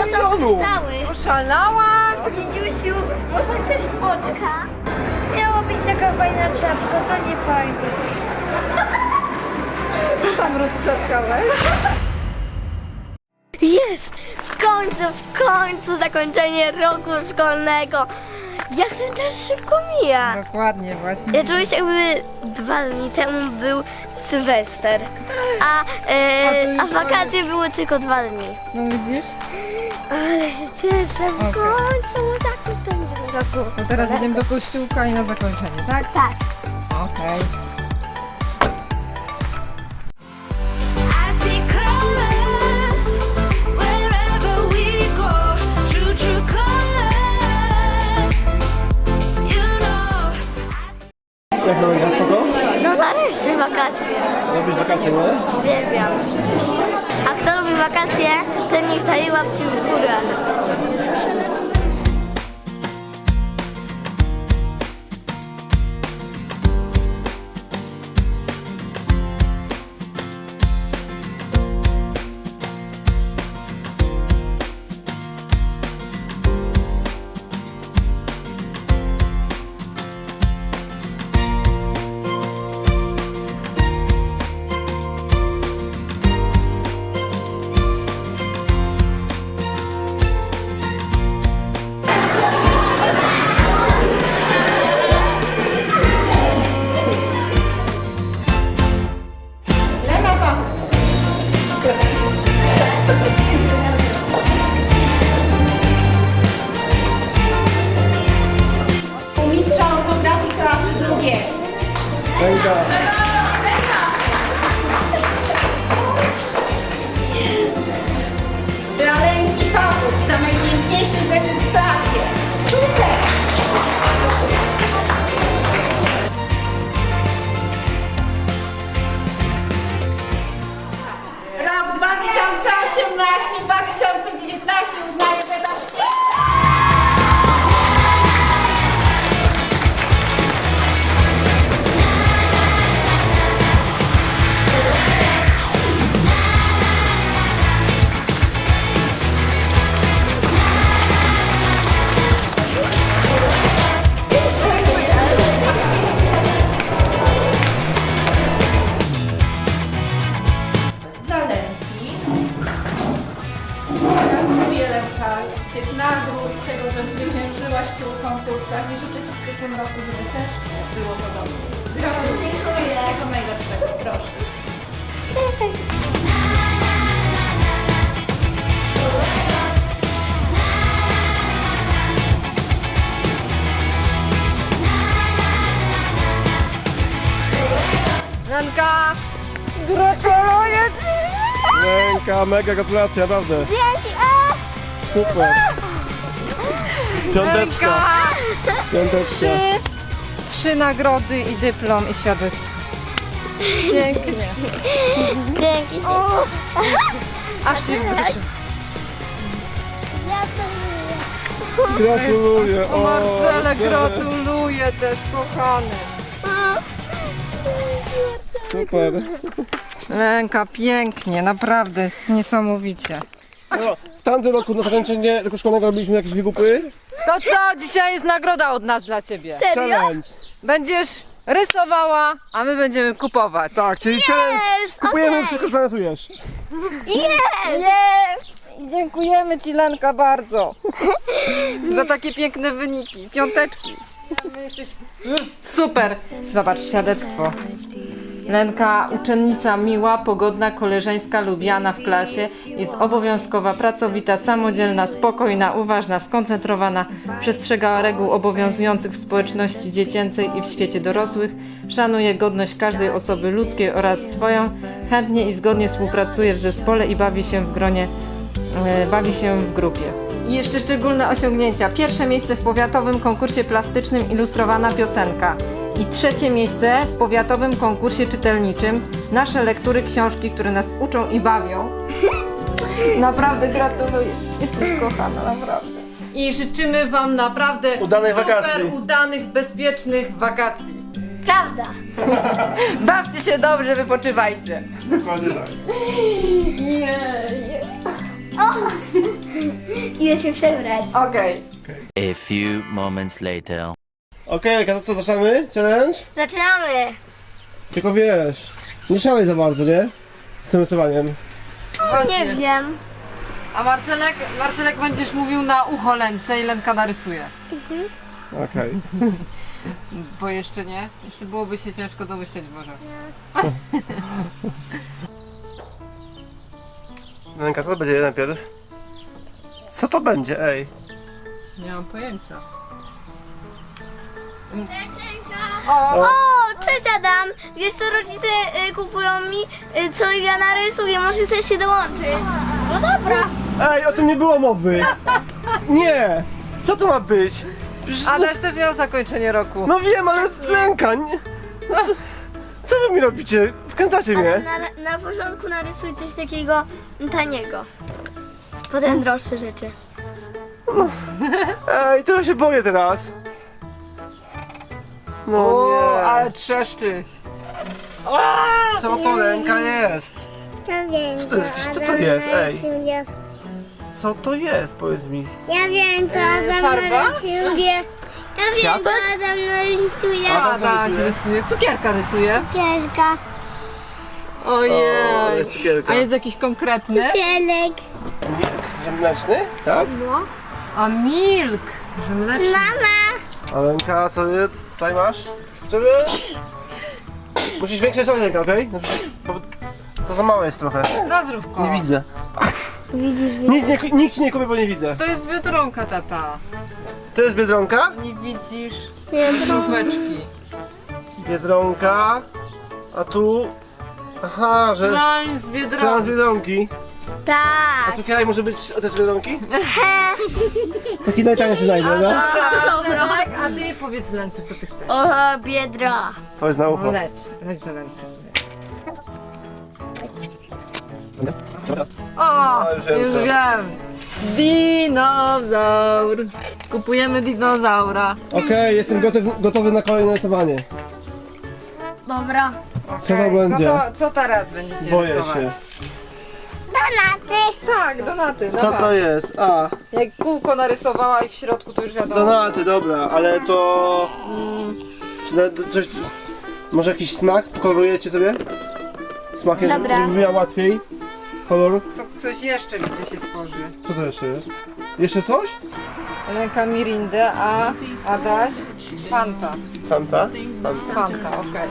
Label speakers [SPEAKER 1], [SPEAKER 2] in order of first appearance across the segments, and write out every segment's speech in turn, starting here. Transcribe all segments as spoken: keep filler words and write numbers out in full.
[SPEAKER 1] są
[SPEAKER 2] milionów.
[SPEAKER 1] kryształy.
[SPEAKER 3] Oszalałaś?
[SPEAKER 1] Dzidziusiu, może chcesz spoczka? Miała być taka fajna czapka, to nie fajnie.
[SPEAKER 3] Co tam roztrzaskałeś?
[SPEAKER 1] Jest! W końcu, w końcu zakończenie roku szkolnego. Jak ten czas szybko mija.
[SPEAKER 3] Dokładnie, właśnie.
[SPEAKER 1] Ja czuję się jakby dwa dni temu był Sylwester, a, e, a wakacje były tylko dwa dni.
[SPEAKER 3] No widzisz?
[SPEAKER 1] Ale się cieszę w
[SPEAKER 3] Okej.
[SPEAKER 1] końcu zakończenie roku.
[SPEAKER 3] To teraz idziemy do kościółka i na zakończenie, tak?
[SPEAKER 1] Tak.
[SPEAKER 3] Okej.
[SPEAKER 4] I see colors wherever we go. True, true colors. You know.
[SPEAKER 2] Jak to będzie? Spoko?
[SPEAKER 1] No nareszcie wakacje.
[SPEAKER 2] Robisz wakacje, nie?
[SPEAKER 1] Uwielbiam. A kto lubi wakacje, ten niech daje łapki w górę.
[SPEAKER 5] Mistrza ortografii klasy drugiej.
[SPEAKER 2] Ręka.
[SPEAKER 5] Dla Lenki Pawłuk za najpiękniejszy zeszyt w klasie. Super! Rok dwa tysiące osiemnasty dwa tysiące dziewiętnasty uznaje wydawnictwo. Dla Lenki. Gratuluję Lenka tych nagród, tego, że zwyciężyłaś w tylu konkursach i życzę Ci w przyszłym roku, żeby też było podobnie. Gratuluję. Wszystkiego najlepszego, proszę.
[SPEAKER 3] Lenka! Gratuluję Ci!
[SPEAKER 2] Ręka, mega gratulacje, naprawdę.
[SPEAKER 1] Dzięki! A!
[SPEAKER 2] Super. Piąteczka. Piąteczka.
[SPEAKER 3] Trzy, trzy nagrody i dyplom i świadectwo. Pięknie.
[SPEAKER 1] Dzięki!
[SPEAKER 3] Aż się wzruszył.
[SPEAKER 2] Gratuluję.
[SPEAKER 3] O Marcele,
[SPEAKER 2] Marcele.
[SPEAKER 3] gratuluję też, kochany.
[SPEAKER 2] Super.
[SPEAKER 3] Lenka, pięknie, naprawdę, jest niesamowicie.
[SPEAKER 2] No, w tamtym roku na zakończenie roku szkolnego robiliśmy jakieś wygupy.
[SPEAKER 3] To co, dzisiaj jest nagroda od nas dla Ciebie.
[SPEAKER 1] Serio?
[SPEAKER 2] Challenge.
[SPEAKER 3] Będziesz rysowała, a my będziemy kupować.
[SPEAKER 2] Tak, czyli challenge. Kupujemy
[SPEAKER 1] okej.
[SPEAKER 2] wszystko, co narysujesz.
[SPEAKER 1] Jest!
[SPEAKER 3] Jest! Dziękujemy Ci, Lenka, bardzo za takie piękne wyniki. Piąteczki. Super. Zobacz, świadectwo. Lenka, uczennica miła, pogodna, koleżeńska, lubiana w klasie, jest obowiązkowa, pracowita, samodzielna, spokojna, uważna, skoncentrowana, przestrzega reguł obowiązujących w społeczności dziecięcej i w świecie dorosłych, szanuje godność każdej osoby ludzkiej oraz swoją, chętnie i zgodnie współpracuje w zespole i bawi się w gronie, e, bawi się w grupie. I jeszcze szczególne osiągnięcia. Pierwsze miejsce w powiatowym konkursie plastycznym ilustrowana piosenka. I trzecie miejsce w powiatowym konkursie czytelniczym. Nasze lektury, książki, które nas uczą i bawią. Naprawdę gratuluję. Jesteś kochana, naprawdę. I życzymy Wam naprawdę
[SPEAKER 2] Udanej
[SPEAKER 3] super
[SPEAKER 2] wakacji.
[SPEAKER 3] udanych, bezpiecznych wakacji.
[SPEAKER 1] Prawda!
[SPEAKER 3] Bawcie się dobrze, wypoczywajcie.
[SPEAKER 2] Dokładnie tak.
[SPEAKER 3] Nie, nie.
[SPEAKER 1] Idę się przebrać.
[SPEAKER 3] Okej.
[SPEAKER 6] A few moments later.
[SPEAKER 2] Okej, okay, to co, zaczynamy? Challenge?
[SPEAKER 1] Zaczynamy.
[SPEAKER 2] Tylko wiesz, nie szalej za bardzo, nie? Z tym rysowaniem.
[SPEAKER 3] Właśnie.
[SPEAKER 1] Nie wiem.
[SPEAKER 3] A Marcelek, Marcelek będziesz mówił na ucho Lence i Lenka narysuje.
[SPEAKER 2] Okej.
[SPEAKER 3] Bo jeszcze nie. Jeszcze byłoby się ciężko domyśleć może.
[SPEAKER 2] Lenka, co to będzie najpierw? Co to będzie, ej?
[SPEAKER 3] Nie mam pojęcia.
[SPEAKER 1] O, cześć Adam. Wiesz co rodzice y, kupują mi, y, co ja narysuję. Może chcesz się dołączyć? No dobra.
[SPEAKER 2] Ej, o tym nie było mowy! Nie! Co to ma być? Przecież-
[SPEAKER 3] Adaś też miał zakończenie roku.
[SPEAKER 2] No wiem, ale jest Lenka, nie... No, co wy mi robicie? Wkręcacie
[SPEAKER 1] Ale
[SPEAKER 2] mnie?
[SPEAKER 1] na, na porządku narysuj coś takiego taniego. Potem droższe rzeczy.
[SPEAKER 2] Ej, to ja się boję teraz. No
[SPEAKER 3] O,
[SPEAKER 2] nie.
[SPEAKER 3] ale trzeszczy.
[SPEAKER 2] Co to Lenka jest?
[SPEAKER 7] Ja wiem,
[SPEAKER 2] Co to jest?
[SPEAKER 7] co
[SPEAKER 2] Co to
[SPEAKER 7] Adam
[SPEAKER 2] jest? Ej.
[SPEAKER 7] narysuje.
[SPEAKER 2] Co to jest? Powiedz mi.
[SPEAKER 7] Ja wiem, co
[SPEAKER 3] Eee,
[SPEAKER 7] Adam
[SPEAKER 3] farba?
[SPEAKER 7] narysuje. Ja wiem,
[SPEAKER 2] Kwiatek?
[SPEAKER 7] co Adam narysuje.
[SPEAKER 2] Adam
[SPEAKER 3] Adaś
[SPEAKER 2] rysuje.
[SPEAKER 3] rysuje. Cukierka rysuje.
[SPEAKER 7] Cukierka,
[SPEAKER 2] O,
[SPEAKER 3] Ojej.
[SPEAKER 2] jest cukierka.
[SPEAKER 3] A jest jakiś konkretny?
[SPEAKER 7] cukierek.
[SPEAKER 2] Milk ziemleczny? Tak?
[SPEAKER 3] A milk. Że mleczny.
[SPEAKER 7] Mama,
[SPEAKER 2] A Lenka, co ty tutaj masz? Żeby... Musisz większe rysować, Lenka, okej? Okay? Bo to za małe jest trochę.
[SPEAKER 3] Rozrywko.
[SPEAKER 2] Nie widzę.
[SPEAKER 1] Widzisz,
[SPEAKER 2] Nikt, nie, nikt ci nie kupi, bo nie widzę.
[SPEAKER 3] To jest Biedronka, tata.
[SPEAKER 2] To jest Biedronka?
[SPEAKER 3] Nie widzisz żółweczki.
[SPEAKER 2] Biedronka. A tu... Aha, że...
[SPEAKER 3] Slime z
[SPEAKER 2] Stran z
[SPEAKER 3] Biedronki.
[SPEAKER 2] Biedronki. A
[SPEAKER 1] Tak.
[SPEAKER 2] cukierek może być też z Biedronki? Taki najtańszy znajdę, no?
[SPEAKER 3] Dobra, tak, a ty powiedz Lence, co ty chcesz.
[SPEAKER 1] O, biedra.
[SPEAKER 2] To jest na ucho.
[SPEAKER 3] Leć, leć do Lenki. O,
[SPEAKER 2] A, już wiem,
[SPEAKER 3] już
[SPEAKER 2] co.
[SPEAKER 3] wiem. Dinozaur. Kupujemy dinozaura.
[SPEAKER 2] Okej, jestem gotowy, gotowy na kolejne rysowanie.
[SPEAKER 1] Dobra.
[SPEAKER 2] Co to
[SPEAKER 3] Okej,
[SPEAKER 2] będzie?
[SPEAKER 3] Co, to, co teraz będziecie
[SPEAKER 2] Boję
[SPEAKER 3] rysować?
[SPEAKER 2] się.
[SPEAKER 7] donaty.
[SPEAKER 3] Tak, donaty.
[SPEAKER 2] Co
[SPEAKER 3] dawaj.
[SPEAKER 2] to jest? A,
[SPEAKER 3] Jak kółko narysowała i w środku to już wiadomo.
[SPEAKER 2] donaty, dobra, ale to... Czy na, coś... Może jakiś smak? Pokolorujecie sobie? Smakiem, żeby
[SPEAKER 1] Dobra.
[SPEAKER 2] żeby miała łatwiej? Kolor?
[SPEAKER 3] Co, coś jeszcze widzę się tworzy.
[SPEAKER 2] Co to jeszcze jest? Jeszcze coś?
[SPEAKER 3] Lenka Mirindę, a Adaś Fanta.
[SPEAKER 2] Fanta? Fanta.
[SPEAKER 3] Fanta, okej.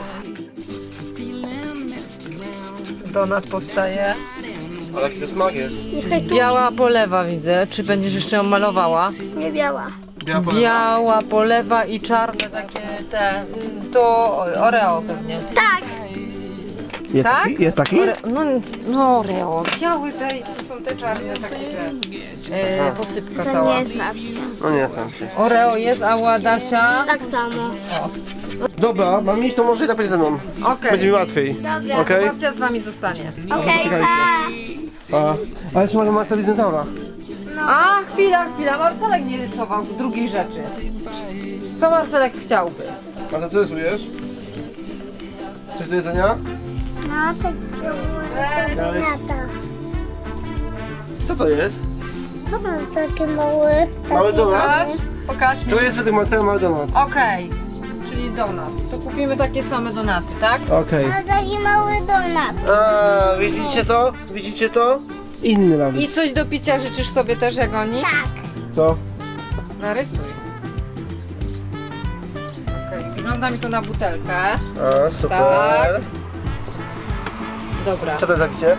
[SPEAKER 3] Donat powstaje.
[SPEAKER 2] Ale jaki to smak jest?
[SPEAKER 3] Biała polewa widzę. Czy będziesz jeszcze ją malowała?
[SPEAKER 1] Nie biała.
[SPEAKER 2] Biała polewa?
[SPEAKER 3] Biała polewa i czarne takie te... mm, To Oreo pewnie.
[SPEAKER 1] Tak.
[SPEAKER 2] Jest
[SPEAKER 3] Tak?
[SPEAKER 2] taki? Jest taki?
[SPEAKER 3] Ore, no, no Oreo. Białe te i co są te czarne takie te... E, posypka
[SPEAKER 1] To
[SPEAKER 3] cała.
[SPEAKER 1] nie znasz się.
[SPEAKER 2] No nie znam się.
[SPEAKER 3] Oreo jest, a u Adasia...
[SPEAKER 1] Tak samo.
[SPEAKER 2] Dobra, mam iść, to może i tak będzie ze mną.
[SPEAKER 3] Okej.
[SPEAKER 2] Będzie mi łatwiej.
[SPEAKER 1] Dobra.
[SPEAKER 2] Okej?
[SPEAKER 3] Babcia z wami zostanie.
[SPEAKER 1] Okej,
[SPEAKER 2] Czekajcie.
[SPEAKER 1] pa.
[SPEAKER 2] A, ale jeszcze może masz wtedy dinozaura.
[SPEAKER 3] A, chwila, chwila. Marcelek nie rysował drugiej rzeczy. Co Marcelek chciałby?
[SPEAKER 2] A za co rysujesz? Coś do jedzenia?
[SPEAKER 7] No, tak
[SPEAKER 3] Weź.
[SPEAKER 2] Dałeś...
[SPEAKER 7] donata.
[SPEAKER 2] Co to jest?
[SPEAKER 7] To mam taki mały.
[SPEAKER 2] Mały donat?
[SPEAKER 3] Pokaż, pokaż mi.
[SPEAKER 2] To jest według Marcela mały donat.
[SPEAKER 3] Okej, czyli donat. To kupimy takie same donaty, tak?
[SPEAKER 2] Okej.
[SPEAKER 7] To taki mały donat.
[SPEAKER 2] A, widzicie to? Widzicie to? Inny ma
[SPEAKER 3] I
[SPEAKER 2] być.
[SPEAKER 3] coś do picia życzysz sobie też, jak oni?
[SPEAKER 7] Tak.
[SPEAKER 2] Co?
[SPEAKER 3] Narysuj. Okej, wygląda mi to na butelkę.
[SPEAKER 2] A, super.
[SPEAKER 3] Tak. Dobra.
[SPEAKER 2] Co to jest za picie?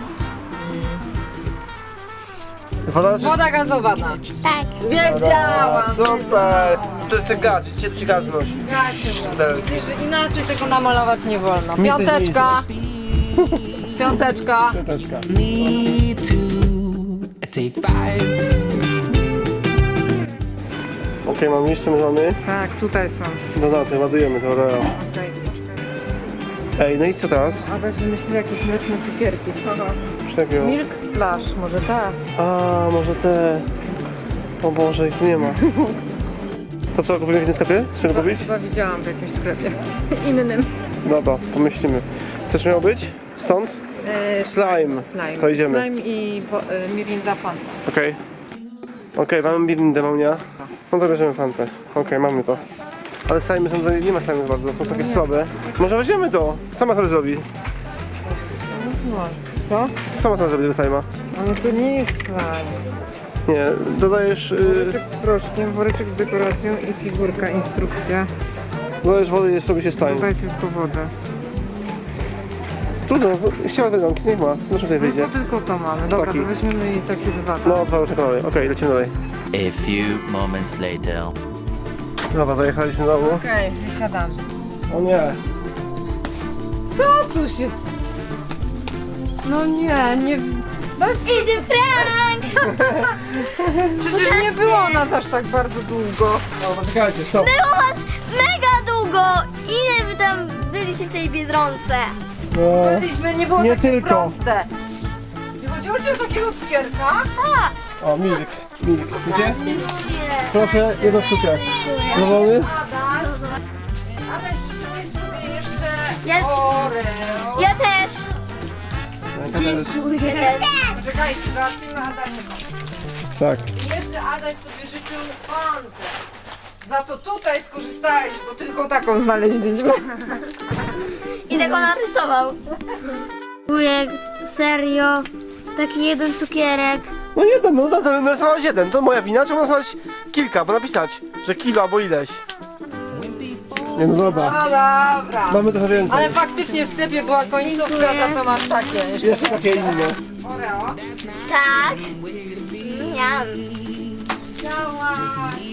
[SPEAKER 2] Woda czy...
[SPEAKER 3] Woda gazowana.
[SPEAKER 7] Tak.
[SPEAKER 2] A,
[SPEAKER 3] Wiedziałam!
[SPEAKER 2] super. To jest ten gaz, widzicie? Przy gaz nosi.
[SPEAKER 3] Gacie, Widzisz, że inaczej tego namalować nie wolno.
[SPEAKER 2] Misy z
[SPEAKER 3] Piąteczka. Piąteczka.
[SPEAKER 2] Piąteczka.
[SPEAKER 8] Me too. Take five.
[SPEAKER 2] Okej, mam liście, my mamy
[SPEAKER 3] Tak, tutaj są.
[SPEAKER 2] donaty, ładujemy to Oreo.
[SPEAKER 3] Okej.
[SPEAKER 2] Ej, no i co teraz?
[SPEAKER 3] Adaś wymyślił jakieś mleczne cukierki.
[SPEAKER 2] Czego?
[SPEAKER 3] Milk Splash, może tak.
[SPEAKER 2] A, może te... O Boże, ich tu nie ma. To co, kupimy w innym sklepie? Z czego kupić?
[SPEAKER 3] Chyba widziałam w jakimś sklepie innym.
[SPEAKER 2] Dobra, pomyślimy. Coś miało być? Stąd?
[SPEAKER 3] E,
[SPEAKER 2] Slime.
[SPEAKER 3] slime.
[SPEAKER 2] To idziemy.
[SPEAKER 3] Slime i wo, e, Mirinda Fanta.
[SPEAKER 2] Okej. Okej, mamy Mirindę, Maunia. No to bierzemy Fantę. Okej, mamy to. Ale slime są, nie ma slime bardzo, są takie słabe. Może weźmiemy to. Sama sobie zrobi.
[SPEAKER 3] No, co?
[SPEAKER 2] Sama sobie zrobi tego slime'a.
[SPEAKER 3] Ale to nie jest slime.
[SPEAKER 2] Nie, dodajesz... Yy,
[SPEAKER 3] Woreczek z proszkiem, woreczek z dekoracją i figurka, instrukcja.
[SPEAKER 2] dodajesz wody i zrobi się slime.
[SPEAKER 3] Dodaj tylko wodę.
[SPEAKER 2] Trudno, chciała wydonki, niech ma. No tutaj wyjdzie.
[SPEAKER 3] No to tylko to mamy. Dobra,
[SPEAKER 2] Taki.
[SPEAKER 3] to weźmiemy i takie dwa. tak?
[SPEAKER 2] No, dwa różne kolory. Okej, lecimy dalej.
[SPEAKER 6] A few moments later.
[SPEAKER 2] Dobra, dojechaliśmy do domu.
[SPEAKER 3] Okej, wysiadamy.
[SPEAKER 2] O nie.
[SPEAKER 3] Co tu się... No nie, nie... Bez...
[SPEAKER 1] Easy prank!
[SPEAKER 3] Przecież nie było nas aż tak bardzo długo.
[SPEAKER 2] O, poczekajcie, stop.
[SPEAKER 1] Było was mega długo! Ile wy tam byliście w tej Biedronce?
[SPEAKER 2] No.
[SPEAKER 3] Byliśmy, nie było
[SPEAKER 2] Nie
[SPEAKER 3] takie
[SPEAKER 2] tylko.
[SPEAKER 3] proste. Czy chodziło ci o takiego cukierka?
[SPEAKER 1] Tak!
[SPEAKER 2] O, milk. Milk. Widzicie? Proszę, jedną sztukę. Zadowolony?
[SPEAKER 3] Adaś, Adaś, życzyłeś sobie jeszcze
[SPEAKER 1] Ja-
[SPEAKER 3] Oreo.
[SPEAKER 1] Ja też!
[SPEAKER 2] Dziękuję.
[SPEAKER 1] Ja też.
[SPEAKER 3] Czekajcie, załatwimy Adasia.
[SPEAKER 2] Tak.
[SPEAKER 3] I jeszcze Adaś sobie życzył fantę. Za to tutaj skorzystałeś, bo tylko taką znaleźliśmy.
[SPEAKER 1] I tak on narysował. Wujek, serio? Taki jeden cukierek.
[SPEAKER 2] No jeden, no to narysowałeś jeden. To moja wina, trzeba narysować kilka, bo napisać, że kilo albo ileś. Nie no dobra.
[SPEAKER 3] No dobra.
[SPEAKER 2] Mamy trochę więcej.
[SPEAKER 3] Ale faktycznie w sklepie była końcówka, za to masz takie jeszcze.
[SPEAKER 2] Jeszcze takie inne.
[SPEAKER 3] Oreo.
[SPEAKER 1] Tak. Miam.
[SPEAKER 3] Chciałaś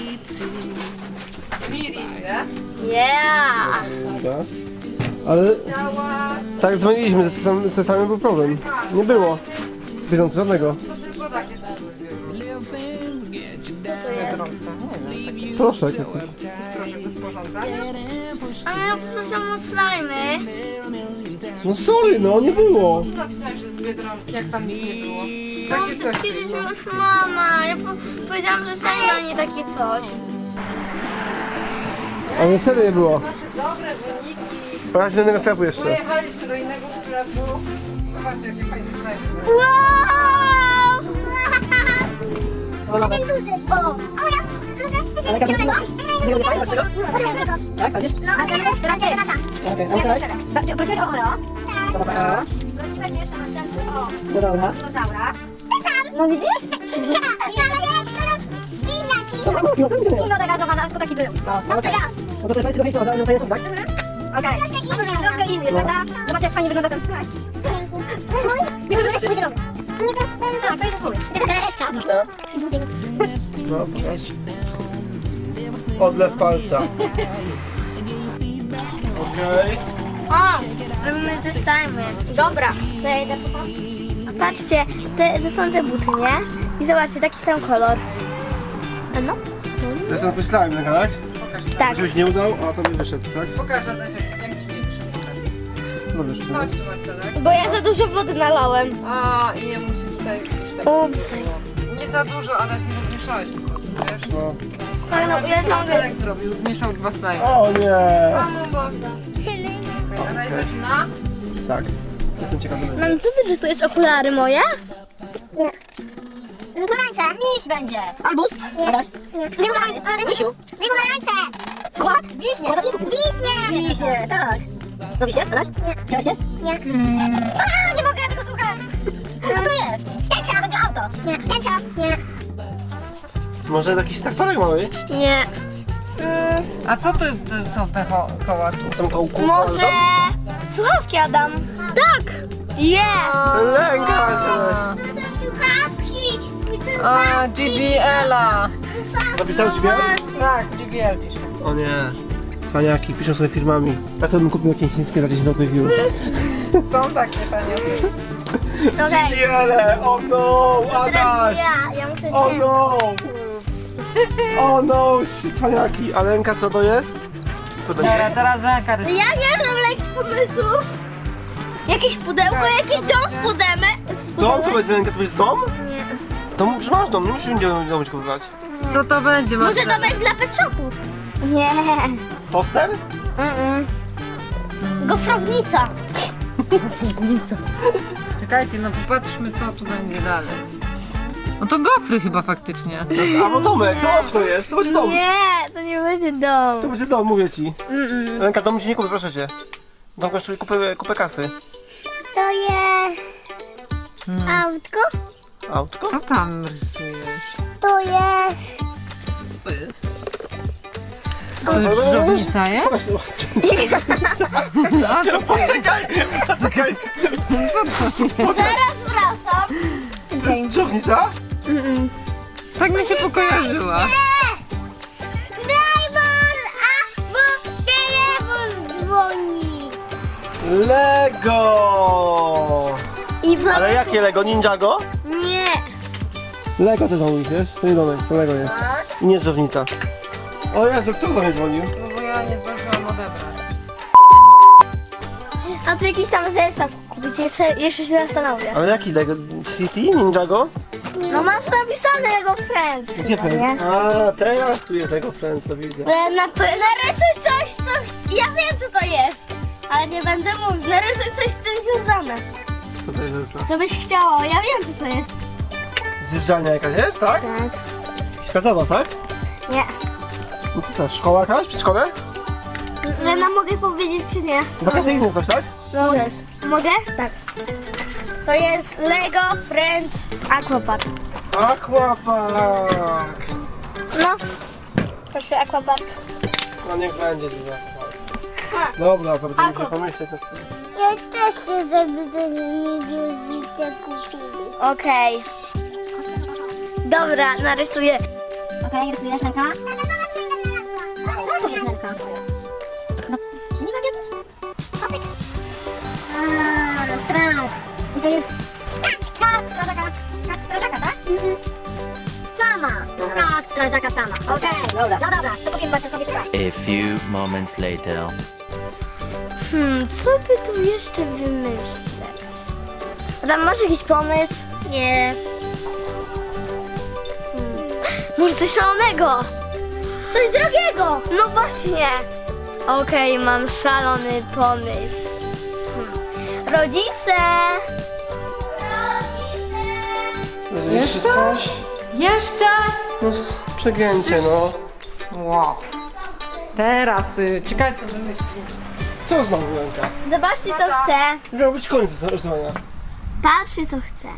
[SPEAKER 3] Mirindę.
[SPEAKER 1] Yeah.
[SPEAKER 2] Dobra. Ale
[SPEAKER 3] Chciałaś...
[SPEAKER 2] tak dzwoniliśmy, ze, sam- ze samym był problem. Nie było. Bieżąco żadnego.
[SPEAKER 3] To tylko takie coś
[SPEAKER 1] Co to jest?
[SPEAKER 2] Proszę jakiś.
[SPEAKER 3] Proszę do sporządzania.
[SPEAKER 1] A ja proszę o slajmy.
[SPEAKER 2] No sorry, no nie było.
[SPEAKER 3] Tu napisałeś, że z Biedronki, jak tam nic nie było. Takie coś
[SPEAKER 1] Kiedyś
[SPEAKER 3] było.
[SPEAKER 1] mama, ja po powiedziałam, że slajmy, a nie takie coś.
[SPEAKER 2] Ale serio nie było.
[SPEAKER 3] Nasze dobre wyniki.
[SPEAKER 2] Pojechać do innego sklepu jeszcze.
[SPEAKER 3] Pojechaliśmy do innego sklepu. Zobaczcie, jakie fajne slajmy.
[SPEAKER 1] Wow!
[SPEAKER 7] Ten duży. O! O, ja. Ale jak zrobisz tego? Tak, sadzisz? No, a teraz teraz jest tata.
[SPEAKER 9] Okej, ale co?
[SPEAKER 7] Prosiłeś o Oreo?
[SPEAKER 9] To Oreo.
[SPEAKER 7] Prosiłeś jeszcze na centrum o
[SPEAKER 9] Dinozaura.
[SPEAKER 7] dinozaura. Ten sam. No widzisz? Ja, ale nie, inaki.
[SPEAKER 9] To mam dinozaur, czy nie?
[SPEAKER 7] Inno degazowana, to taki był.
[SPEAKER 9] No,
[SPEAKER 7] No
[SPEAKER 9] no
[SPEAKER 7] to
[SPEAKER 9] okej.
[SPEAKER 7] raz.
[SPEAKER 9] No to sobie powiedz, tylko dinozaur, no to tak?
[SPEAKER 7] Okej. Troszkę inny jest, prawda? Zobacz jak fajnie wygląda ten slajd. Nie, to jest zielony. Nie, to jest ten, tak, to jest twój.
[SPEAKER 2] No, pokaż. Odlew palca. Okej.
[SPEAKER 1] O! Robimy te slajmy. Dobra, to ja idę po. A patrzcie, te, to są te buty, nie? I zobaczcie, taki sam kolor. A no?
[SPEAKER 2] To jest ten twój slime, tak?
[SPEAKER 1] Tak.
[SPEAKER 2] Żebyś nie udał, a to mi wyszedł, tak?
[SPEAKER 3] Pokaż, Adaś, jak, jak ci nie wyszedł.
[SPEAKER 2] No wyszedł.
[SPEAKER 3] Chodź tu, Marcelek.
[SPEAKER 1] Bo ja za dużo wody nalałem.
[SPEAKER 3] A, i nie musi tutaj już tak.
[SPEAKER 1] Ups.
[SPEAKER 3] Nie za dużo, Adaś, nie rozmieszałeś po prostu, wiesz?
[SPEAKER 2] No.
[SPEAKER 1] Ale no, ja ciągle...
[SPEAKER 3] Marcelek zrobił, zmieszał dwa slajmy.
[SPEAKER 2] O nie!
[SPEAKER 3] Okej, Adaś zaczyna.
[SPEAKER 2] Tak. Jestem ciekawy.
[SPEAKER 1] Mam, co ty rysujesz? Okulary moje?
[SPEAKER 7] Pomarańcze. Miś będzie.
[SPEAKER 9] Albus. Adaś.
[SPEAKER 7] Dwie pomarańcze.
[SPEAKER 9] Misiu.
[SPEAKER 7] Dwie pomarańcze.
[SPEAKER 9] Kład.
[SPEAKER 7] Wiśnie. Wiśnie.
[SPEAKER 9] Wiśnie, tak. To wiśnie, Adaś? Chciałeś nie?
[SPEAKER 7] Nie. A, nie mogę tego słuchać. Co to jest? Tęcza. Będzie auto. Nie. Tęcza. Nie.
[SPEAKER 2] Może jakiś traktorek mały?
[SPEAKER 1] Nie. Mm,
[SPEAKER 3] A co to, to są te ho- koła tu?
[SPEAKER 2] Są kołku?
[SPEAKER 1] może... Słuchawki, Adam. Tak. Yeah.
[SPEAKER 2] Lęka teraz.
[SPEAKER 7] To są słuchawki.
[SPEAKER 3] A, G B L-a.
[SPEAKER 2] Napisałeś ci białe?
[SPEAKER 3] Tak, G B L pisze.
[SPEAKER 2] O nie. Cwaniaki, piszą sobie firmami. Tak to bym kupił jakieś chińskie za dziesięć złotych już.
[SPEAKER 3] Są takie tanie.
[SPEAKER 1] Okej.
[SPEAKER 2] Wiele! O no!
[SPEAKER 1] Teraz
[SPEAKER 2] Adaś!
[SPEAKER 1] ja. Ja muszę
[SPEAKER 2] O
[SPEAKER 1] cię...
[SPEAKER 2] no! O no! Cwaniaki. A Lenka co to jest? Co to
[SPEAKER 3] Dobra,
[SPEAKER 2] będzie?
[SPEAKER 3] teraz Lenka rysuje.
[SPEAKER 1] Ja nie znam lekich pomysłów. Jakieś pudełko, jakiś dom z pudełek.
[SPEAKER 2] Dom? Co będzie Lenka? To jest dom? Nie. To już masz dom, nie musisz nigdzie domu kupować.
[SPEAKER 3] Co to będzie,
[SPEAKER 1] Może
[SPEAKER 3] Marcelek?
[SPEAKER 1] domek dla pet shopów. Nie.
[SPEAKER 2] Toster?
[SPEAKER 1] Mm-mm. Gofrownica.
[SPEAKER 3] Piwnica. Czekajcie, no popatrzmy, co tu będzie dalej. No to gofry chyba faktycznie.
[SPEAKER 2] Albo domek, to okno jest, to będzie dom.
[SPEAKER 1] Nie, to nie będzie dom.
[SPEAKER 2] To będzie dom, mówię ci. Lenka, domu ci nie kupię, proszę cię. Dom kosztuje kupę, kupę kasy.
[SPEAKER 7] To jest
[SPEAKER 3] Hmm.
[SPEAKER 7] autko.
[SPEAKER 2] Autko?
[SPEAKER 3] Co tam rysujesz?
[SPEAKER 7] To jest
[SPEAKER 2] Co to jest?
[SPEAKER 3] To już żownica jest?
[SPEAKER 2] Pokaż to.
[SPEAKER 3] A co to jest?
[SPEAKER 2] Czekaj, czekaj.
[SPEAKER 1] Zaraz wracam.
[SPEAKER 2] To jest drzewnica?
[SPEAKER 3] Tak mi się pokojarzyła.
[SPEAKER 7] Dajmon, a bo telefon dzwoni.
[SPEAKER 2] Lego!
[SPEAKER 1] I po...
[SPEAKER 2] Ale jakie Lego? Ninjago?
[SPEAKER 1] Nie.
[SPEAKER 2] Lego to domek, wiesz? To nie domek, to Lego jest.
[SPEAKER 3] Tak?
[SPEAKER 2] I nie drzewnica. O Jezu, kto do mnie dzwonił?
[SPEAKER 3] No bo ja nie zdążyłam odebrać.
[SPEAKER 1] A tu jakiś tam zestaw kupić, jeszcze, jeszcze się zastanowię.
[SPEAKER 2] Ale jaki Lego? City? Ninjago?
[SPEAKER 1] No masz napisane Lego Friends.
[SPEAKER 2] Gdzie
[SPEAKER 1] chyba,
[SPEAKER 2] Friends?
[SPEAKER 1] nie?
[SPEAKER 2] A, teraz tu jest Lego Friends, to widzę.
[SPEAKER 1] E, Na, narysuj coś, co... Ja wiem, co to jest. Ale nie będę mówić. Narysuj coś z tym związane.
[SPEAKER 2] Co to jest zestaw?
[SPEAKER 1] Co byś chciała? Ja wiem, co to jest.
[SPEAKER 2] Zjeżdżalnia jakaś jest, tak?
[SPEAKER 1] Tak.
[SPEAKER 2] Skazowa, tak?
[SPEAKER 1] Nie.
[SPEAKER 2] No co to jest? Szkoła jakaś? Przedszkole?
[SPEAKER 1] Lena, mogę powiedzieć, czy nie?
[SPEAKER 2] Wakacyjne coś, tak?
[SPEAKER 1] Możesz. Mogę? Tak. To jest Lego Friends Aquapark.
[SPEAKER 2] Aquapark!
[SPEAKER 1] No. Proszę, Aquapark.
[SPEAKER 2] No niech będzie dużo. Dobra, to będziemy musieli pomyśleć.
[SPEAKER 7] Ja też chcę, żeby coś mi rodzice kupili.
[SPEAKER 1] Okej. Dobra, narysuję.
[SPEAKER 7] Okej, rysujesz Lenka? Co to jest Lenka? No, ślimak jakiś? Kotek. Aaa, straż. I to jest kask strażaka. Kask strażaka, tak? Sama. Kask strażaka sama. Okej, dobra. No dobra, co powiem Bartkowi straż?
[SPEAKER 6] A few moments later.
[SPEAKER 1] Hmm, co by tu jeszcze wymyśleć? Adam, masz jakiś pomysł? Nie. Hmm. Może coś szalonego? Coś drogiego! No właśnie. Okej, mam szalony pomysł. Hmm. Rodzice! Rodzice!
[SPEAKER 3] Jeszcze?
[SPEAKER 2] coś?
[SPEAKER 3] Jeszcze?
[SPEAKER 2] No s- przegięcie, no.
[SPEAKER 3] Wow. Teraz, y, ciekawe co wymyślił.
[SPEAKER 2] Co znowu, Lenka?
[SPEAKER 1] Zobaczcie, co chcę.
[SPEAKER 2] Miał być koniec rysowania.
[SPEAKER 1] Patrzcie, co chcę.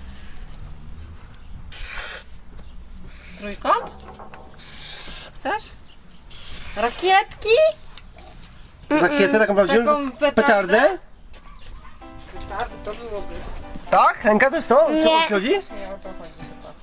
[SPEAKER 3] Trójkąt? Chcesz? Rakietki?
[SPEAKER 2] Rakietę taką prawdziwą?
[SPEAKER 3] Taką petardę?
[SPEAKER 2] Petardę?
[SPEAKER 3] Petardy to byłoby.
[SPEAKER 2] Tak? Lenka, to jest to?
[SPEAKER 1] Nie.
[SPEAKER 2] Co o co chodzi?
[SPEAKER 3] Nie o to chodzi chyba.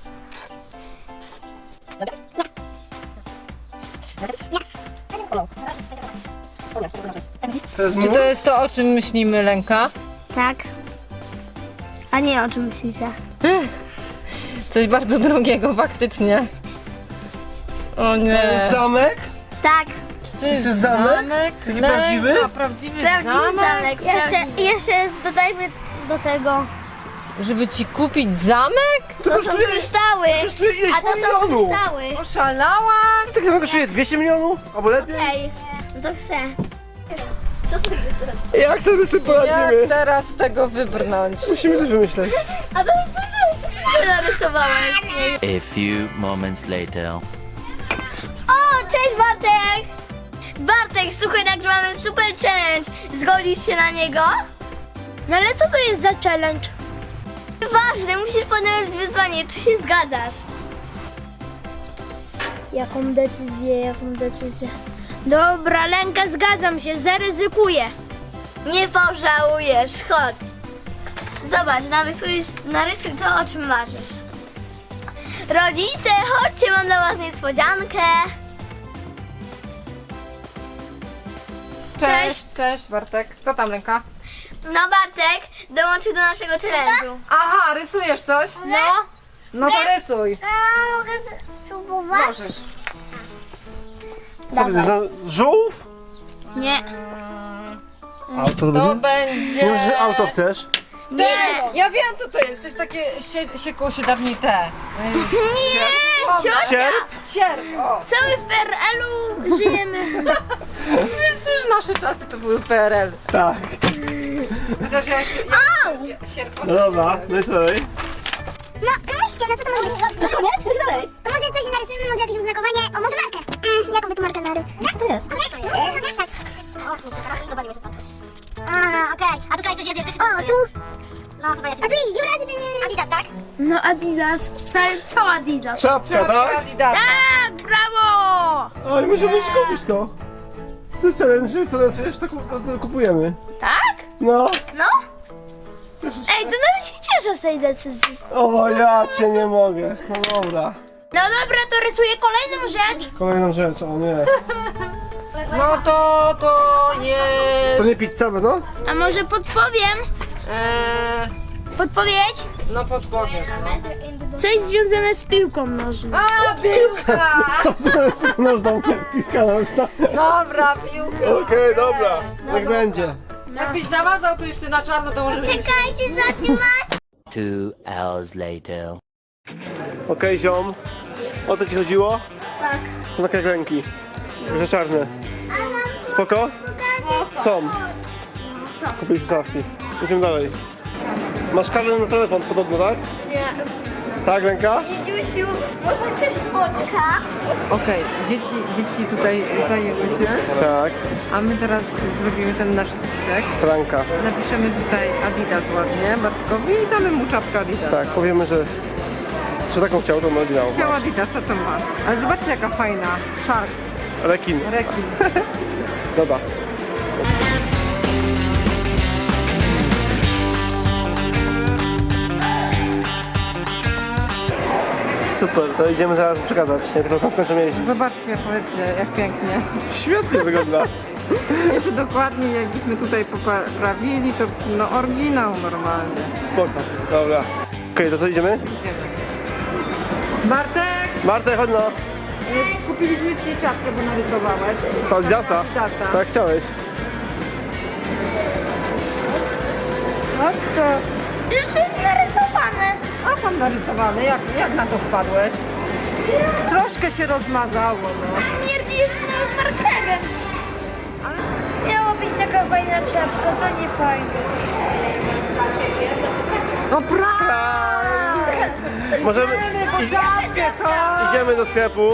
[SPEAKER 2] To jest
[SPEAKER 3] Czy
[SPEAKER 2] mur?
[SPEAKER 3] to jest to, o czym myślimy, Lenka?
[SPEAKER 1] Tak. A nie, o czym myślicie?
[SPEAKER 3] Coś bardzo drogiego faktycznie. O
[SPEAKER 2] To jest
[SPEAKER 3] nie.
[SPEAKER 2] zamek?
[SPEAKER 1] Tak.
[SPEAKER 3] Czy to jest
[SPEAKER 2] jest zamek?
[SPEAKER 3] zamek?
[SPEAKER 2] Taki
[SPEAKER 3] Lenka,
[SPEAKER 2] prawdziwy?
[SPEAKER 3] Prawdziwy
[SPEAKER 1] Prawdziwy
[SPEAKER 3] zamek?
[SPEAKER 1] zamek. Jeszcze, jeszcze dodajmy do tego.
[SPEAKER 3] Żeby ci kupić zamek?
[SPEAKER 2] To
[SPEAKER 1] To są
[SPEAKER 2] kosztuje,
[SPEAKER 1] kryształy.
[SPEAKER 2] kosztuje ileś
[SPEAKER 1] A to są
[SPEAKER 2] milionów.
[SPEAKER 1] kryształy.
[SPEAKER 3] Oszalałaś?
[SPEAKER 2] Tak samo kosztuje dwieście milionów? Albo lepiej?
[SPEAKER 1] Okej, no to chcę. Co to jest?
[SPEAKER 2] Jak sobie z tym
[SPEAKER 3] Jak
[SPEAKER 2] poradzimy?
[SPEAKER 3] teraz z tego wybrnąć?
[SPEAKER 2] Musimy coś wymyśleć.
[SPEAKER 1] A to co ty, co ty narysowałeś?
[SPEAKER 6] A few moments later.
[SPEAKER 1] O, cześć Bartek! Bartek, słuchaj, nagrywamy super challenge. Zgodzisz się na niego? No ale co to jest za challenge? Ważne, musisz podjąć wyzwanie, czy się zgadzasz?
[SPEAKER 10] Jaką decyzję, jaką decyzję? Dobra, Lenka, zgadzam się, zaryzykuję.
[SPEAKER 1] Nie pożałujesz, chodź. Zobacz, narysuj, narysuj to, o czym marzysz. Rodzice, chodźcie, mam dla was niespodziankę.
[SPEAKER 3] Cześć, cześć Bartek. Co tam, Lenka?
[SPEAKER 1] No Bartek, dołączył do naszego challenge'u.
[SPEAKER 3] Aha, rysujesz coś?
[SPEAKER 1] No.
[SPEAKER 3] No to rysuj.
[SPEAKER 7] A mogę spróbować?
[SPEAKER 3] Możesz.
[SPEAKER 2] Co to jest? za- Żółw?
[SPEAKER 1] Nie.
[SPEAKER 2] Auto to
[SPEAKER 3] To
[SPEAKER 2] będzie?
[SPEAKER 3] będzie...
[SPEAKER 2] Nie, że auto chcesz?
[SPEAKER 3] Nie! Ja wiem co to jest. To jest takie... Sie, siekło się dawniej te. To jest
[SPEAKER 1] Nie, ciocia.
[SPEAKER 2] Sierp?
[SPEAKER 3] Sierp, o.
[SPEAKER 10] Cały w P R L-u żyjemy.
[SPEAKER 3] Przecież nasze czasy to były P R L.
[SPEAKER 2] Tak.
[SPEAKER 3] Chociaż ja się... Ja, sierpo,
[SPEAKER 2] No dobra, no i co dalej?
[SPEAKER 7] No, myślcie, no co to może być? No koniec? Co dalej? To może coś narysujemy, może jakieś oznakowanie, o może markę. Mm, jaką by tu markę nary? Jak to jest? Jak to jest? Jak tak? O, kurczę, teraz dowaliło się pan. A, okej. A tutaj coś jest jeszcze, czy co O, tu? No, chyba jest. A tu jest dziura, żeby... Adidas, tak?
[SPEAKER 10] No Adidas. Ale co Adidas?
[SPEAKER 2] Czapka, tak?
[SPEAKER 3] Adidasa.
[SPEAKER 10] Tak, brawo!
[SPEAKER 2] Oj, musimy iść kupić to. To jest challenge, co narysujesz, to, ku- to, to kupujemy.
[SPEAKER 10] Tak?
[SPEAKER 2] No.
[SPEAKER 1] No?
[SPEAKER 2] Cieszysz
[SPEAKER 10] Ej, to nawet się cieszę z tej decyzji.
[SPEAKER 2] O, ja cię nie mogę. No dobra.
[SPEAKER 10] No dobra, to rysuję kolejną rzecz.
[SPEAKER 2] Kolejną rzecz, o nie.
[SPEAKER 3] No to, to jest...
[SPEAKER 2] To nie pizza, no?
[SPEAKER 10] A może podpowiem?
[SPEAKER 3] Eee,
[SPEAKER 10] Podpowiedź?
[SPEAKER 3] no podpowiedz, no.
[SPEAKER 10] Coś związane z piłką nożną.
[SPEAKER 3] A, piłka!
[SPEAKER 2] Co to jest piłka nożną? Piłka nożna.
[SPEAKER 3] Dobra, piłka.
[SPEAKER 2] Okej, dobra. Tak będzie.
[SPEAKER 3] Jakbyś zamazał tu jeszcze na czarno, to może być...
[SPEAKER 1] Czekajcie, zatrzymać.
[SPEAKER 6] Two hours later.
[SPEAKER 2] Okej, ziom. O to ci chodziło? Tak. Są takie ręki. Że czarne. Spoko? Są. Kupiliśmy szafki. Idziemy dalej. Masz kartę na telefon podobno, tak?
[SPEAKER 1] Nie.
[SPEAKER 2] Tak, ręka?
[SPEAKER 1] Dziusiu, może chcesz foczka?
[SPEAKER 3] Okej, dzieci, dzieci tutaj zajęły się,
[SPEAKER 2] Tak.
[SPEAKER 3] a my teraz zrobimy ten nasz spisek.
[SPEAKER 2] Franka.
[SPEAKER 3] Napiszemy tutaj Adidas ładnie Bartkowi i damy mu czapkę Adidas.
[SPEAKER 2] Tak, powiemy, że, że taką chciał, to ma oryginał.
[SPEAKER 3] Chciał Adidasa, to ma. Ale zobaczcie jaka fajna. Shark,
[SPEAKER 2] Rekin.
[SPEAKER 3] rekin.
[SPEAKER 2] Dobra. Super, to idziemy zaraz przekazać. Ja tylko sam skończę jeździć.
[SPEAKER 3] Zobaczcie, powiedzcie, jak pięknie.
[SPEAKER 2] Świetnie wygląda.
[SPEAKER 3] Jeszcze dokładnie jakbyśmy tutaj poprawili, to no oryginał normalnie.
[SPEAKER 2] Spoko. Dobra. Okej, to co idziemy?
[SPEAKER 3] Idziemy. Bartek,
[SPEAKER 2] Marta, chodź no.
[SPEAKER 3] y, kupiliśmy ci czapkę, bo narysowałeś.
[SPEAKER 2] Z Adidasa?
[SPEAKER 3] Adidasa.
[SPEAKER 2] Tak chciałeś.
[SPEAKER 10] Co to? Już to jest narysowane.
[SPEAKER 3] A pan narysowany, jak, jak na to wpadłeś? Troszkę się rozmazało, no.
[SPEAKER 10] Śmierdzi jeszcze nawet markerem. Miała być taka fajna czapka, to nie fajne.
[SPEAKER 3] No prawda!
[SPEAKER 2] Możemy... I, idziemy do sklepu.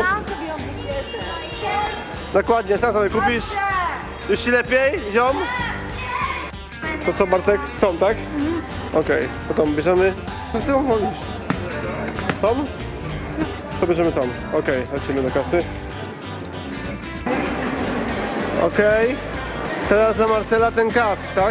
[SPEAKER 2] Dokładnie, sam sobie kupisz. Już ci lepiej, ziom? To co, Bartek? Tom, tak? Okej, to Tom bierzemy. Co ty wolisz? Tom? To bierzemy Tom. Okej, lecimy do kasy. Okej. Teraz dla Marcela ten kask, tak?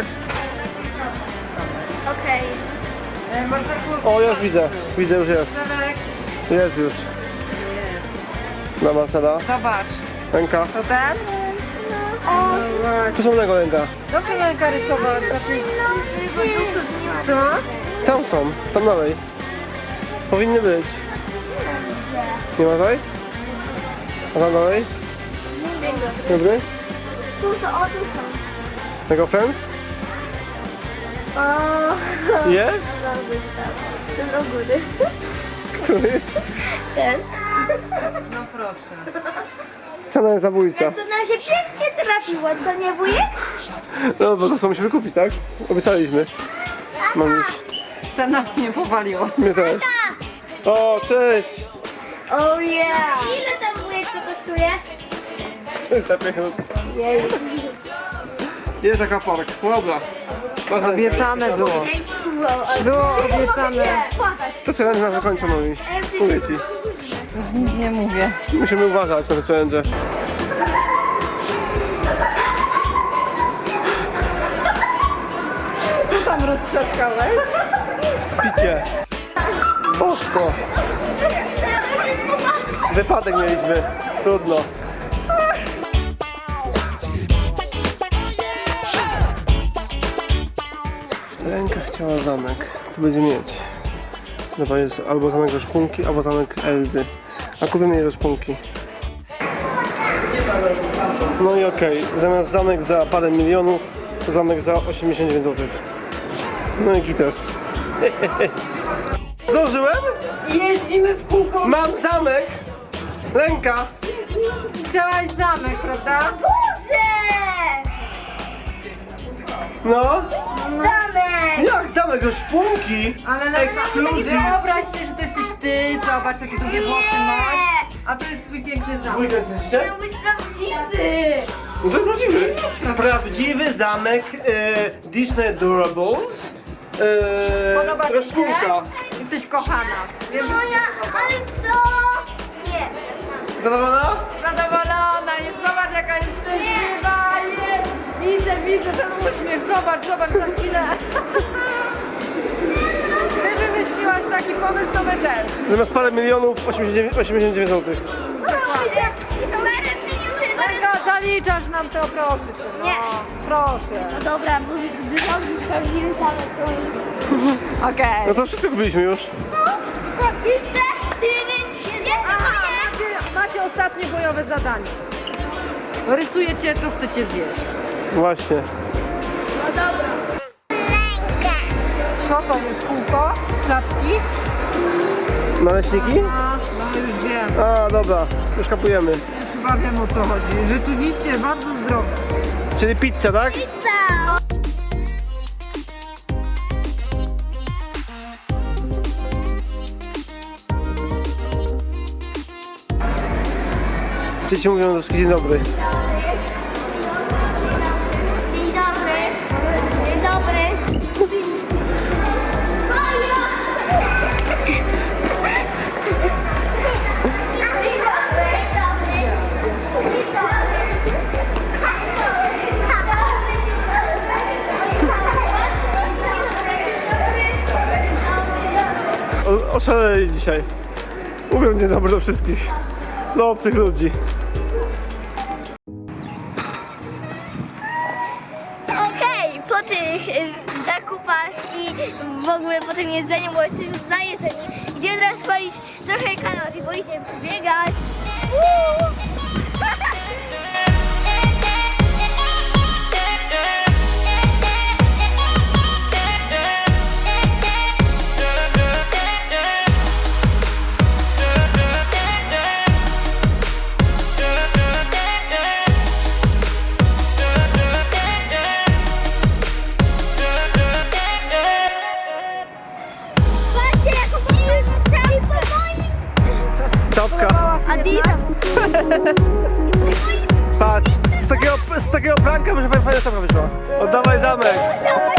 [SPEAKER 1] Okej.
[SPEAKER 3] E, Barteku,
[SPEAKER 2] O, już widzę. Widzę, już jest.
[SPEAKER 3] Marcelek,
[SPEAKER 2] Jest już. Dla Marcela.
[SPEAKER 3] zobacz.
[SPEAKER 2] Ręka.
[SPEAKER 3] To ten?
[SPEAKER 1] O,
[SPEAKER 2] Tu są tego ręka.
[SPEAKER 3] Dobrze ręka rysować. Co?
[SPEAKER 2] Tam są, tam dalej. Powinny być. Nie ma dalej? A tam dalej? Dobry?
[SPEAKER 1] tu są, o tu są.
[SPEAKER 2] Tego Friends?
[SPEAKER 1] O,
[SPEAKER 2] Jest?
[SPEAKER 1] ten do góry.
[SPEAKER 2] Który?
[SPEAKER 1] Ten.
[SPEAKER 3] No proszę.
[SPEAKER 2] Cena jest zabójcza.
[SPEAKER 10] To nam się pięknie trafiło, co nie wujek?
[SPEAKER 2] No bo to co musimy kupić, tak? Obiecaliśmy. Mam już.
[SPEAKER 3] Cena mnie powaliła.
[SPEAKER 2] Mnie też. O, cześć!
[SPEAKER 1] Oh yeah.
[SPEAKER 10] Ile tam wujek to kosztuje?
[SPEAKER 2] To jest lepiej. Jest taka park. Dobra. Masz
[SPEAKER 3] Obiecane było. Było obiecane.
[SPEAKER 2] To challenge na zakończę, moi. Mówię ci.
[SPEAKER 3] Nic nie mówię.
[SPEAKER 2] Musimy uważać na te challenge.
[SPEAKER 3] Co tam roztrzaskałeś?
[SPEAKER 2] Spicie. Bosko. Wypadek mieliśmy. Trudno. Ręka chciała zamek. Tu będzie mieć. Dobra, jest albo zamek ze szpunki, albo zamek Elzy. A kupimy jej ze szpunki. No i okej. Zamiast zamek za parę milionów, to zamek za osiemdziesiąt dziewięć złotych. No i gites. Zdążyłem?
[SPEAKER 3] Jeździmy w kółko.
[SPEAKER 2] Mam zamek! Ręka!
[SPEAKER 3] Chciałaś zamek, prawda?
[SPEAKER 1] Boże!
[SPEAKER 2] No.
[SPEAKER 1] Zamek!
[SPEAKER 2] Jak zamek, że szpunki?
[SPEAKER 3] Ale
[SPEAKER 2] Ekskluzyw.
[SPEAKER 3] wyobraź sobie, że to jesteś ty, zobacz, takie długie włosy masz, a to jest twój piękny zamek.
[SPEAKER 2] Dwójka jesteście?
[SPEAKER 1] Miał być prawdziwy!
[SPEAKER 2] No to jest prawdziwy. Prawdziwy zamek e, Disney Durables. E,
[SPEAKER 3] Podoba ci się?
[SPEAKER 2] szpunka.
[SPEAKER 3] Jesteś kochana. Wiem, że
[SPEAKER 1] Moja, ale co? Nie.
[SPEAKER 2] Zadowolona?
[SPEAKER 3] zadowolona jest, zobacz jaka jest szczęśliwa, jest. Widzę, widzę ten uśmiech, zobacz, zobacz za chwilę. Ty wymyśliłaś taki pomysł, to my też.
[SPEAKER 2] Zamiast parę milionów, osiemdziesiąt dziewięć złotych.
[SPEAKER 3] Lenka, zaliczasz nam to, proszę cię. No.
[SPEAKER 1] Nie.
[SPEAKER 3] Proszę.
[SPEAKER 1] No dobra, bo gdy dobrze sprawdziłem zamek, to...
[SPEAKER 3] Okej.
[SPEAKER 2] No to wszystko kupiliśmy już.
[SPEAKER 1] Jeszcze? Jeszcze
[SPEAKER 3] Aha,
[SPEAKER 1] moje!
[SPEAKER 3] macie, macie ostatnie bojowe zadanie. Rysujecie, co chcecie zjeść.
[SPEAKER 2] Właśnie.
[SPEAKER 1] No dobra.
[SPEAKER 3] Co to jest kółko? Klapki?
[SPEAKER 2] Naleśniki?
[SPEAKER 3] A, no już wiem.
[SPEAKER 2] A, dobra. Już kapujemy.
[SPEAKER 3] Chyba wiem o co chodzi. Rzeczywiście bardzo zdrowe.
[SPEAKER 2] Czyli pizza, tak?
[SPEAKER 1] Pizza!
[SPEAKER 2] Dzieci mówią do dzień dobry.
[SPEAKER 1] Dzień dobry. Dzień dobry. Dzień dobry. Dzień
[SPEAKER 2] O, oszaleli dzisiaj. Mówią dzień dobry do wszystkich. Do obcych ludzi.
[SPEAKER 1] Okej, po tych y, zakupach i w ogóle po tym jedzeniu, bo jesteśmy już na jedzeniu, idziemy teraz spalić trochę kalorii, bo idziemy biegać. Woo! Patrzcie, jaką moją czapkę!
[SPEAKER 2] Czapka.
[SPEAKER 1] Adidas!
[SPEAKER 2] Patrz. Z takiego, z takiego pranka, że fajna czapka wyszła. Oddawaj zamek.
[SPEAKER 1] Dawaj